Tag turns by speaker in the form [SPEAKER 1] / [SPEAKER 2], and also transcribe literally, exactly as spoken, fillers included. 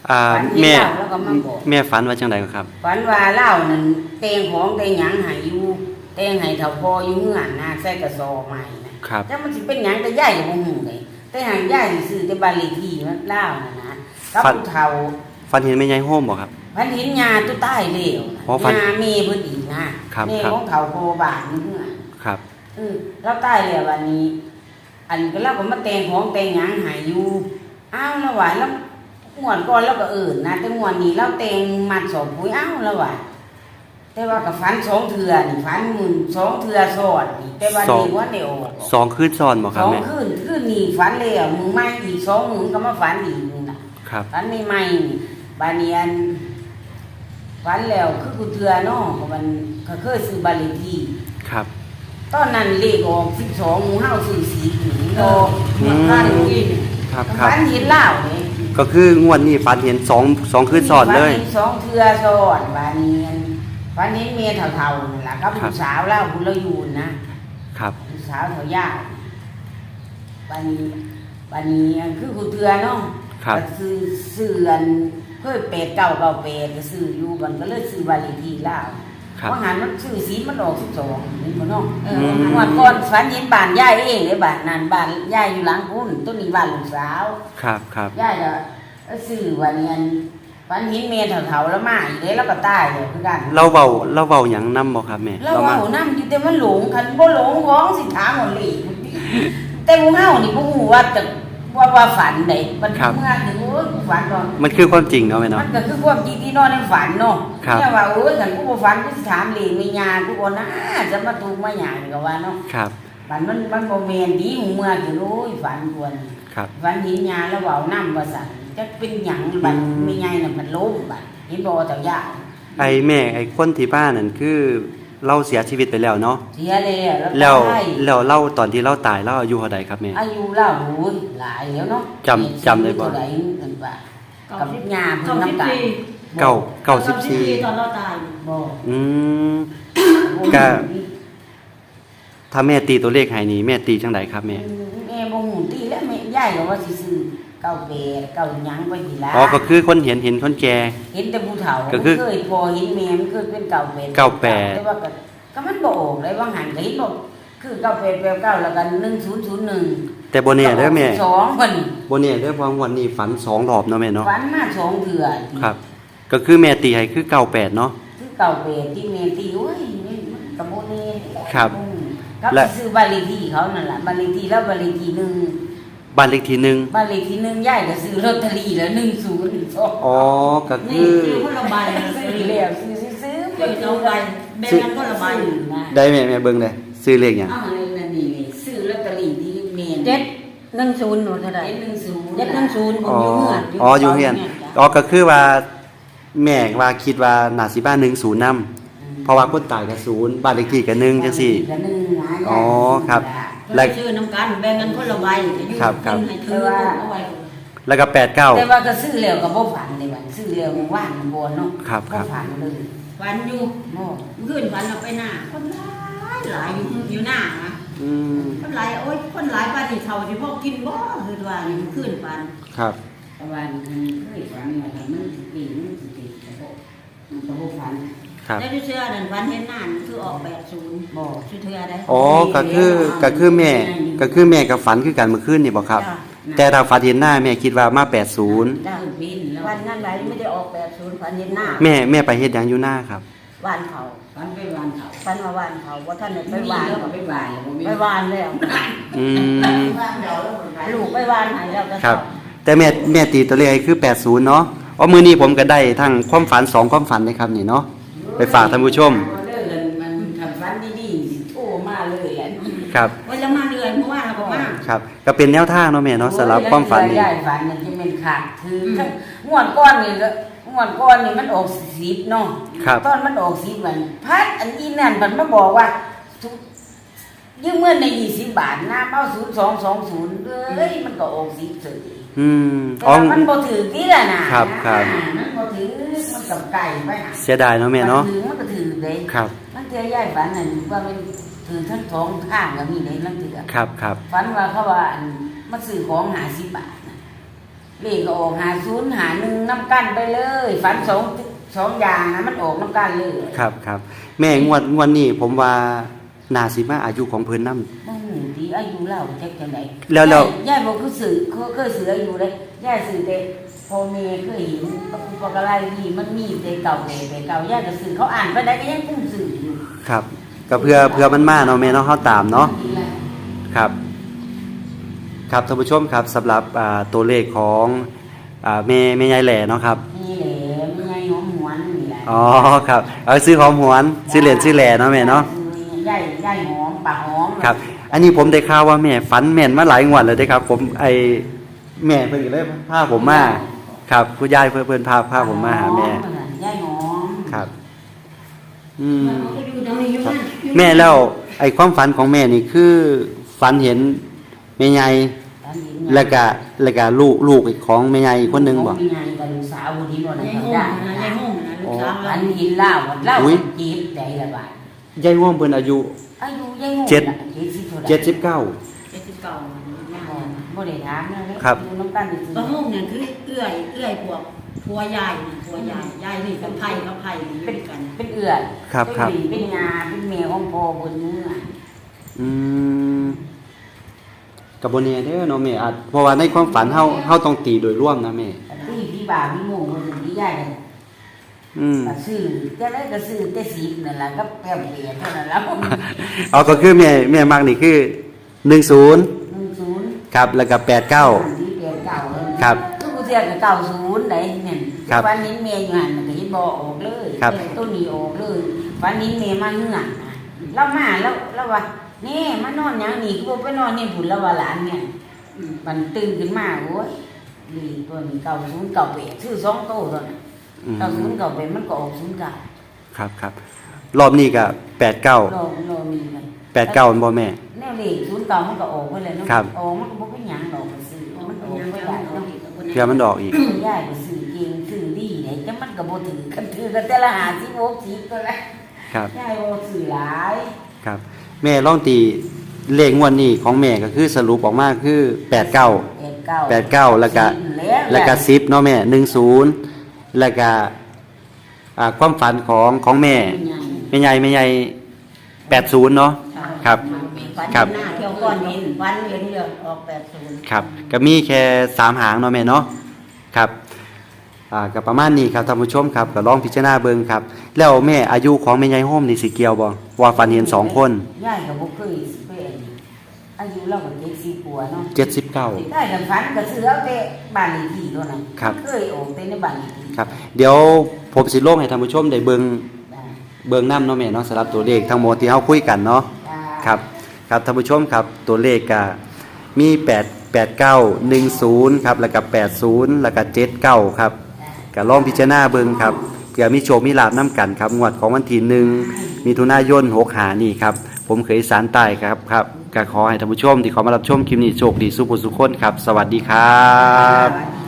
[SPEAKER 1] อ่า
[SPEAKER 2] ฝันเห็น
[SPEAKER 1] แม่
[SPEAKER 2] เล่าแล้วก็มาบอก
[SPEAKER 1] แม่ฝันว่าจังไดครับ
[SPEAKER 2] ฝันว่าเล่านั่นเตงของเตงหยังใหายอยู่เตงให้เฒ่าพออยู่เฮือนนะใส่กระสอบใหม่นะครับแต่มันสิเป็นหยังแต่ย่ายก็บ่ฮู้เลยแต่หางย่ายซื้อแต่บ้านเลขที่มันเล่านั่นนะกับผู้เฒ่า
[SPEAKER 1] ฝันเห็นแม่ยายโฮมบ่ครับ
[SPEAKER 2] ฝันเห็นยาตัวใต้เลว
[SPEAKER 1] อ๋อฝัน
[SPEAKER 2] ยาเมเพิ่นอีกนะครับ เม
[SPEAKER 1] ครับ
[SPEAKER 2] ของเฒ่าโพบ้านนี่เฮือน
[SPEAKER 1] ครับ
[SPEAKER 2] เออเราใต้แล้ววันนี้ อันก็เราก็มาแต่งของแต่งหยังใหายอยู่อ้าวแล้วว่าแล้วงวดก่อนเราก็เอิ้นนะแต่งวดนี้เราแต่งมัดสอบปุ๋ยอ้าวแล้วว่าแต่ว่ากับฝันสองเทื่อนี่ฝันหมื่นสองเทื่อซ้อนนี่แต่ว่านี่ว่าได้ออก
[SPEAKER 1] สองคืนซ้อนบ่ค
[SPEAKER 2] ส
[SPEAKER 1] รับ
[SPEAKER 2] อง
[SPEAKER 1] แม่
[SPEAKER 2] คืนคืนนี้ฝันแล้วมึงไม่อีกสองมึงก็มาฝันอีกนี่น่ะ
[SPEAKER 1] ครับ
[SPEAKER 2] ฝันใหม่ๆนี่บาดนี้อันฝันแล้วคือกูเทื่อเนาะก็มันก็เคยซื้อบ้านเลขที่
[SPEAKER 1] ครับ
[SPEAKER 2] ตอนนั้นเลขออกสิบสองหมู่เฮาซื้อสี่หนึ่ง
[SPEAKER 3] เอ
[SPEAKER 2] โต
[SPEAKER 3] อ
[SPEAKER 1] อืม
[SPEAKER 3] บ้านอยู่อีก
[SPEAKER 1] ครับครับ
[SPEAKER 2] ฝันเห็นเหล้าเลย
[SPEAKER 1] ก็คืองวดนี้ฝันเห็นสองสองคืนซ้อนเลย
[SPEAKER 2] ฝันห็นสองเทื่อซ้อนบาดนี้อันฝันเห็นเมียเฒ่าๆนั่นล่ะกับ
[SPEAKER 1] ครับ
[SPEAKER 2] ผู้สาวเล่าผู้เราอยู่นะครับ ผู้สาวเฒ่าย่าบาดนี้บาดนี้อันคือกูเทื่อเนาะ
[SPEAKER 1] ครับ
[SPEAKER 2] ก็ซื้อซื้ออันเพิ่นเป็ดเก่าเก่าเป็ดก็ซื้ออยู่มันก็เลยซื้อบ้านเลขที่เหล้า
[SPEAKER 1] ครับ
[SPEAKER 2] ว่าหันมันซื้อสีมันออกสิบสองเห็นบ่เนาะเออ
[SPEAKER 1] อืม
[SPEAKER 2] งวดก่อนฝันเห็นบ้านยายเองเลยบ้านนั้นบ้านยายอยู่หลังพุ่นต้นนี้บ้านลูกสาว
[SPEAKER 1] ครับครับ
[SPEAKER 2] ยายก็ซื้อวันนี้อันฝันเห็นเมียเฒ่าๆแล้วมาอีกเลยแล้วก็ตายเลยคือกัน
[SPEAKER 1] เราเว้าเราเว้าหยังนำบ่ครับแม่
[SPEAKER 2] แล้ว
[SPEAKER 1] เรามา
[SPEAKER 2] เว้านำอยู่แต่มันหลงคันบ่หลงของสิถามหมดเลยแต่หมู่เฮานี่บ่ฮู้ว่าจะว่าว่าฝันได้มันเมื่อถึงโอ้ยกูฝันตอน
[SPEAKER 1] มันคือความจริงเนาะแม่เนาะ
[SPEAKER 2] มันก็คือความจริงที่นอนในฝันเนาะ
[SPEAKER 1] ครับ
[SPEAKER 2] แค่ว่าโอ้ยฉันกูบ่ฝันกูสิถามเลยมีญากูบ่นะจะมาถูกมาหยังก็ว่าเนาะ
[SPEAKER 1] ครับ
[SPEAKER 2] ฝันมันมันบ่แม่นดีหูเมื่อคือโอ้ยฝันควร
[SPEAKER 1] ครับ
[SPEAKER 2] ฝันเห็นญาแล้วเว้านำว่าซั่นจักเป็นหยังบัด
[SPEAKER 1] อืม
[SPEAKER 2] มีใหญ่น่ะมันล้มบัดเห็นบ่เจ้าย่า
[SPEAKER 1] ไอ้แม่ไอ้คนที่บ้านนั่นคือเราเสียชีวิตไปแล้วเนาะ
[SPEAKER 2] เสียแล้ว
[SPEAKER 1] แล้ว
[SPEAKER 2] ตาย
[SPEAKER 1] แล้วเราตอนที่เราตายเราอายุเท่าใดครับแม่
[SPEAKER 2] อายุเราโอ้ยหลายแล้วเนาะ
[SPEAKER 1] จำจำได้บ่
[SPEAKER 2] เท่าใดนั่นว่ากับญาเพิ่นนำกัน
[SPEAKER 1] เก้าเก้าสิบสี่
[SPEAKER 3] ตอนเราตาย
[SPEAKER 2] บ่
[SPEAKER 1] อืม ก็ ถ้าแม่ตีตัวเลขให้นี่แม่ตีจังไดครับแม่
[SPEAKER 2] แม่บ่ฮู้ติแล้วแม่ยายก็ว่าสิซื้อเก้าแปดเก้าหยังไปทีละ
[SPEAKER 1] อ๋อก็คือคนเห็นเห็นคนแก่
[SPEAKER 2] เห็นแต่ผู้เฒ่า
[SPEAKER 1] ก็คือ
[SPEAKER 2] เคยพอเห็นแม่มันเคยเป็นเก้าแปด
[SPEAKER 1] เก้าแปด
[SPEAKER 2] แต่ว่าก็ก็มันบ่ออกเลยว่าหันก็เห็นบ่คือเก้าแปดแปดเก้าแล้วกันหนึ่งศูนย์ศูนย์หนึ่ง
[SPEAKER 1] แต่บ่แน่เด้อแม่
[SPEAKER 2] สองเพิ่น
[SPEAKER 1] บ่แน่เด้อเพราะวันนี้ฝันสองรอบเนาะแม่เนาะ
[SPEAKER 2] ฝันมาสองเทื่อ
[SPEAKER 1] ครับ ก็คือแม่ตีให้คือเก้าแปดเนาะ
[SPEAKER 2] คือเก้าแปดที่แม่ตีโอ้ยนี่มันก็บ่แน่
[SPEAKER 1] ครับ
[SPEAKER 2] อืมครับ
[SPEAKER 1] และ
[SPEAKER 2] ซื้อบ้านเลขที่เขานั่นล่ะบ้านเลขที่แล้วบ้านเลขที่หนึ่ง
[SPEAKER 1] บ้านเลขที่หนึ่ง
[SPEAKER 2] บ้านเลขที่หนึ่งยายก็ซื้อลอตเตอรี่แล้วหนึ่งศูนย์สอง
[SPEAKER 1] อ๋อ ก็
[SPEAKER 3] นี่
[SPEAKER 1] คือ
[SPEAKER 3] คือคนละใบนะ
[SPEAKER 2] ซื้
[SPEAKER 3] ซื้
[SPEAKER 2] อ
[SPEAKER 3] อ
[SPEAKER 2] แล้วซื้อซื้อ
[SPEAKER 3] เดี๋ยวเอาใบแบ่งกันคนละใบ
[SPEAKER 2] นะ
[SPEAKER 1] ได้แม่แม่เบิ่งได้ซื้อเลขหยัง
[SPEAKER 2] อ้าวนั่นนี่นี่ซื้อลอตเตอรี่ที่เมน
[SPEAKER 3] เจ็ดหนึ่งศูนย์หนูเท่าไหร่
[SPEAKER 2] เจ็ดหนึ่งศูนย์
[SPEAKER 3] เจ็ดหนึ่งศูนย์ผม
[SPEAKER 1] อ๋อ
[SPEAKER 3] อยู่เงื่อน
[SPEAKER 1] อ๋ออยู่เฮียนอ๋อก็คือว่า แม่ว่าคิดว่าน่าสิบ้านหนึ่งศูนย์นำเพราะว่าคนตายก็ศูนย์บ้านเลขที่ก็หนึ่งจังซี่
[SPEAKER 2] ก็หนึ่งนะ
[SPEAKER 1] อ๋อครับ
[SPEAKER 3] แล้ชื่อน้ำกันแบ่งกันคนละใบ
[SPEAKER 1] ครับครับ
[SPEAKER 3] ให้ถือเอาไว้
[SPEAKER 1] แล้วก็แปดเก้า
[SPEAKER 2] แต่ว่าก็ซื้อแล้วก็บ่ฝันเลยวันซื้อแล้วมันว่างมันบ่เนาะ
[SPEAKER 1] ครับครับ
[SPEAKER 2] ฝันเลย
[SPEAKER 3] ฝันอยู่
[SPEAKER 2] บ่
[SPEAKER 3] ขึ้นฝันเราไปหน้าคนหลายหลายอยู่อยู่หน้านะ
[SPEAKER 1] อืม
[SPEAKER 3] คนหลายโอ๊ยคนหลายบ้านที่เขาที่พวกกินบ่คือว่าอยู่ขึ้นฝัน
[SPEAKER 1] ครับ
[SPEAKER 2] แต่ว่ามันเคยฝันว่าถ้ามันสิปีมันสิปีก็บ่มันก็บ่ฝัน
[SPEAKER 1] ครับ
[SPEAKER 3] แล้วที่เชื่อนั่นฝันเห็นหน้านั่นคือออกแปดศูนย์
[SPEAKER 2] บ่
[SPEAKER 3] ชื่อเธอได้
[SPEAKER 1] อ๋อ ก็คือ ก็คือแม่ ก็คือแม่กับฝันคือกันเมื่อคืนนี่บ่ครับ
[SPEAKER 3] จ้ะ
[SPEAKER 1] แต่ถ้าฝันเห็นหน้าแม่คิดว่ามาแปดศูนย์
[SPEAKER 2] ได้บินแล้ว
[SPEAKER 3] วันนั้นไหนไม่ได้ออกแปดศูนย์ฝันเห็นหน้า
[SPEAKER 1] แม่แม่ไปเฮ็ดหยังอยู่หน้าครับ
[SPEAKER 3] วานเขา
[SPEAKER 2] ฝันไปวันเขา
[SPEAKER 3] ฝันว่าวานเขาว่าท่านได้ไป
[SPEAKER 2] ไป
[SPEAKER 3] วาน
[SPEAKER 2] แล้วก็ไปวานแล้วบ่มี
[SPEAKER 3] ไปวานแล้ว
[SPEAKER 1] อืม
[SPEAKER 2] วานแล้วแล้วมันไป
[SPEAKER 3] ลูกไปวานไหนแล้วก็
[SPEAKER 1] ครับ แต่แม่แม่ตีตัวเลขให้คือแปดศูนย์เนาะอ๋อมื้อนี้ผมก็ได้ทั้งความฝันสองความฝันเลยครับนี่เนาะ ไปฝากท่านผู้ชม
[SPEAKER 2] เรื่องเงินมันทำฝันดีๆสิโทรมาเลยแหละ
[SPEAKER 1] ครับ
[SPEAKER 3] วันละมาเดือนเพราะว่าเราก็มา
[SPEAKER 1] ครับ ก็เป็นแนวทางเนาะแม่เนาะสำหรับความฝันนี่
[SPEAKER 2] ยายฝันเนี่ยจะเป็นขาดคือทั้งงวดก้อนนี่ก็งวดก้อนนี่มันออกสิบเนาะ
[SPEAKER 1] ครับ
[SPEAKER 2] ตอนมันออกสิบมันพัดอันนี้นั่นมันมาบอกว่าทุกยืมเงินในยี่สิบบาทน้ำเอาศูนย์สองสองศูนย์เอ้ยมันก็ออกสิบเสย
[SPEAKER 1] อืม
[SPEAKER 2] แต่
[SPEAKER 1] อ๋อ
[SPEAKER 2] ว่ามันบ่ถือที่ละนะครับ
[SPEAKER 1] ครับ
[SPEAKER 2] มันบ่ถือมันกับไก่ไปหา
[SPEAKER 1] เสียดายเนาะแม่เนาะ
[SPEAKER 2] ถือมันก็ถือเลย
[SPEAKER 1] ครับ
[SPEAKER 2] มันเจอยายฝันนั่นว่ามันถือทั้งสองข้างก็มีเลยลังเถือ
[SPEAKER 1] ครับครับ
[SPEAKER 2] ฝันว่าเขาว่าอันมาซื้อของหาสิบบาทนะเลขก็ออกหาศูนย์หาหนึ่งน้ำกันไปเลยฝันสองสองอย่างนะมันออกน้ำกันเลย
[SPEAKER 1] ครับครับแม่งวดงวดนี้ผมว่านาสิมาอายุของเพิ่นนำ
[SPEAKER 2] นั่นที่อายุเล่าจักจังได๋
[SPEAKER 1] แล้วแล้ว
[SPEAKER 2] ยายบ่คือสื่อเขาเคยสื่ออายุเลยยายสื่อแต่พ่อแม่เคยเห็นอุปกรณ์นี่มันมีแต่เก่าแต่แต่เก่ายายก็สื่อเขาอ่านไปได้ก็ยังกุ้มสื่ออยู่
[SPEAKER 1] ครับก็เพื่อเพื่อมันมาเนาะแม่เนาะเฮาตามเนาะครับ ครับท่านผู้ชมครับสำหรับอ่าตัวเลขของอ่าแม่แม่ยายแหล่เนาะครับ
[SPEAKER 2] นี่แหละมียายหอมหวนนี่แหละ
[SPEAKER 1] อ๋อครับเอาซื้อหอมหวนซื้อเหรียญซื้อแหล่เนาะแม่เนาะ
[SPEAKER 2] ยายยายหอมปากหอม
[SPEAKER 1] ครับ อันนี้ผมได้ข่าวว่าแม่ฝันแม่นมาหลายงวดเลยเด้ครับ ผมไอแม่เพิ่นก็เลยพาผมมาครับคุณยายเพิ่นเพิ่นพาพาผมมาหาแม่
[SPEAKER 2] ยายหอม
[SPEAKER 1] ครับ อืม
[SPEAKER 3] มันก็อยู่ตรงนี้อยู่นั่น
[SPEAKER 1] แม่แล้วไอ้ความฝันของแม่นี่คือฝันเห็นแม่ใหญ่แล้วก็แล้วก็ลูกลูกอีกของแม่ใหญ่อีกคนหนึงบ่
[SPEAKER 2] มียายกับลูกสาวคนนี้บ่ได้
[SPEAKER 3] ยาย
[SPEAKER 2] ทำ
[SPEAKER 3] โง่
[SPEAKER 2] ได้
[SPEAKER 3] นะยายโง่นะลูกสาว
[SPEAKER 2] อั
[SPEAKER 3] เรา
[SPEAKER 2] นนี้เล่าเล่าจีบใจละบาท
[SPEAKER 1] ยายง่วงเพิ่นอายุ
[SPEAKER 2] อายุยายโง่
[SPEAKER 1] เจ็ด
[SPEAKER 2] เจ็ดสิบเท่าไหร่
[SPEAKER 1] เจ็ดสิบเก้า
[SPEAKER 3] เจ็ดสิบเก้าแม่
[SPEAKER 2] บ่บ่ได้ถามนะ
[SPEAKER 1] ครับ
[SPEAKER 2] อยู่น้ำกันอยู่
[SPEAKER 3] บะโง่เนี่ยคือเอื้อยเอื้อยพวกพัวยายนี่พัวยายยายนี่กับไผ่กับไผ่นี่อยู่
[SPEAKER 2] เป็น
[SPEAKER 3] กัน
[SPEAKER 2] เป็นเอื้อย
[SPEAKER 1] ครับครับ
[SPEAKER 2] เป็นเป็นงาเป็นแม่ของพ่อคนนึงอ่ะ
[SPEAKER 1] อืมกับบนเน่เด้อเนาะแม่อาจเพราะว่าในความฝันเฮาเฮาต้องตีโดยรวมนะแม่
[SPEAKER 2] ที่พี่บ่าวพี่โมงคนนึงที่ยายกัน
[SPEAKER 1] อืม
[SPEAKER 2] ก็ซื้อจะได้ก็ซื้อแต่สิบนั่นล่ะก็แป๊บเดียวเท่านั้นแล้ว
[SPEAKER 1] เอาก็คือแม่แม่มักนี่คือหนึ่งศูนย์
[SPEAKER 2] หนึ่งศูนย์
[SPEAKER 1] ครับแล้วก็แปดเก้า
[SPEAKER 2] ที่เปลี่ยนเก่าเลย
[SPEAKER 1] ครับ
[SPEAKER 2] คือกูเสียกับเก่าศูนย์ไหนเนี่ย
[SPEAKER 1] ครับ
[SPEAKER 2] วันนี้เมียอยู่หันมันก็ยิบอออกเลย
[SPEAKER 1] ครับ
[SPEAKER 2] ต้นนี้ออกเลยวันนี้เมียมาเหือกนะเรามาแล้วแล้วว่านี่มานอนอย่างนี้กูไปนอนนี่ผุนแล้วว่าหลานเนี่ยมันตื่นขึ้นมาโอ้ยดีตัวนี้เก่าศูนย์เก่าเปดชื่อสองโตตัวนั้น
[SPEAKER 1] อืม
[SPEAKER 2] เก่าศูนย์เก่าเปดมันก็ออกศูนย์เก่า
[SPEAKER 1] ครับครับรอบนี้ก็แปดเก้า
[SPEAKER 2] โลโลมีเลย
[SPEAKER 1] แปดเก้าบ่แม่
[SPEAKER 2] แนวเลขศูนย์เก่ามันก็ออกไปเลยเนาะ
[SPEAKER 1] ครับ
[SPEAKER 2] ออกมันก็บ่เป็นหยังดอกมันซื้อมันออกไปได้เนาะ
[SPEAKER 1] เพื่อมันดอกอีก
[SPEAKER 2] ยายก็ซื้อเก่งซื้อดีเนี่ยแต่มันก็บ่ถือกันถือกันแต่ละหาสิบหกสิบก็แล้ว
[SPEAKER 1] ครับ
[SPEAKER 2] ยายบ่ซื้อหลาย
[SPEAKER 1] ครับ แม่ลองตีเลขงวดนี้ของแม่ก็คือสรุปออกมาคือแปดเก้า
[SPEAKER 2] แปดเก้า
[SPEAKER 1] แปดเก้าแล้วก็ แล้วก็สิบเนาะแม่หนึ่งศูนย์แล้วก็อ่าความฝันของของแม่แม่ใหญ่แม่ใหญ่แปดศูนย์เนาะ ครับ
[SPEAKER 3] ฟัน
[SPEAKER 1] ครับ
[SPEAKER 3] หน้าเที่ยวก้อนเห็นฟันเห็นเยอะออกแปดศูนย์
[SPEAKER 1] ครับก็มีแค่สามหางเนาะแม่เนาะครับอ่าก็ประมาณนี้ครับท่านผู้ชมครับก็ลองพิจารณาเบิ่งครับ แล้วแม่อายุของแม่ใหญ่โฮมนี่สิเกี่ยวบ่ว่าฝันเห็นสองคน
[SPEAKER 2] ยายก็บ่เคยสิเป็นอายุเราก็เจ็ดสิบกว่าเนาะ
[SPEAKER 1] เจ็ดสิบเก้า
[SPEAKER 2] ได้กันฝันก็ซื้อเอาแต่บ้านเลขที่เท่านั้น
[SPEAKER 1] ครับ
[SPEAKER 2] เคยออกแต่ในบ้านเลขที่
[SPEAKER 1] ครับ เดี๋ยวผมสิลงให้ท่านผู้ชมได้เบิ่ง
[SPEAKER 2] ได้
[SPEAKER 1] เบิ่งนำเนาะแม่เนาะสำหรับตัวเลขทั้งหมดที่เฮาคุยกันเนาะ
[SPEAKER 2] ได้
[SPEAKER 1] ครับครับท่านผู้ชมครับตัวเลขก็มีแปด แปดเก้า หนึ่งศูนย์ครับแล้วก็แปดศูนย์แล้วก็เจ็ดเก้าครับก็ลองพิจารณาเบิ่งครับเผื่อมีโชคมีลาภนํกันครับงวดของวันที่หนึ่งมิถุนายนหกห้านี่ครับผมเคยสารใต้ครับครับก็ขอให้ท่านผู้ชมที่เขามารับชมคลิปนี้โชคดีสุขสุขคนครับ สวัสดีครับ